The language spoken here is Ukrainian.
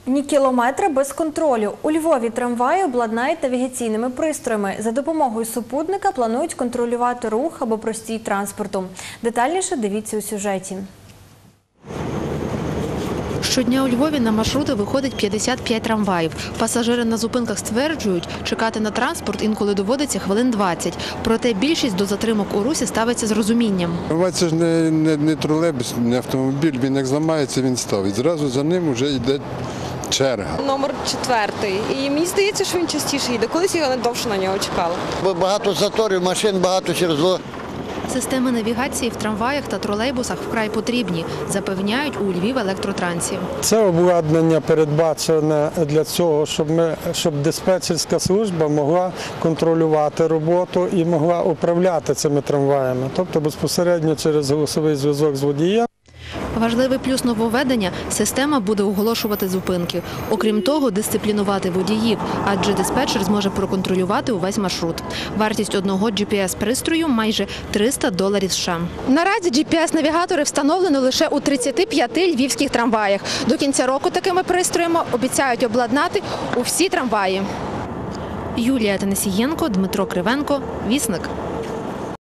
Ні кілометра без контролю. У Львові трамваї обладнають навігаційними пристроями. За допомогою супутника планують контролювати рух або простій транспорту. Детальніше дивіться у сюжеті. Щодня у Львові на маршрути виходить 55 трамваїв. Пасажири на зупинках стверджують, чекати на транспорт інколи доводиться хвилин 20. Проте більшість до затримок у русі ставиться з розумінням. Трамвай – це ж не тролейбус, не автомобіль, він як зламається, він ставить. Зразу за ним вже йде черга. Номер 4. І мені здається, що він частіше йде. Колись я довше на нього чекала. Багато заторів, машин багато через зло. Системи навігації в трамваях та тролейбусах вкрай потрібні, запевняють у Львівелектротрансі. Це обладнання передбачене для цього, щоб диспетчерська служба могла контролювати роботу і могла управляти цими трамваями, тобто безпосередньо через голосовий зв'язок з водієм. Важливий плюс нововведення – система буде оголошувати зупинки. Окрім того, дисциплінувати водіїв, адже диспетчер зможе проконтролювати увесь маршрут. Вартість одного GPS-пристрою – майже $300 США. Наразі GPS-навігатори встановлено лише у 35 львівських трамваях. До кінця року такими пристроями обіцяють обладнати у всі трамваї. Юлія Танасієнко, Дмитро Кривенко, Вісник.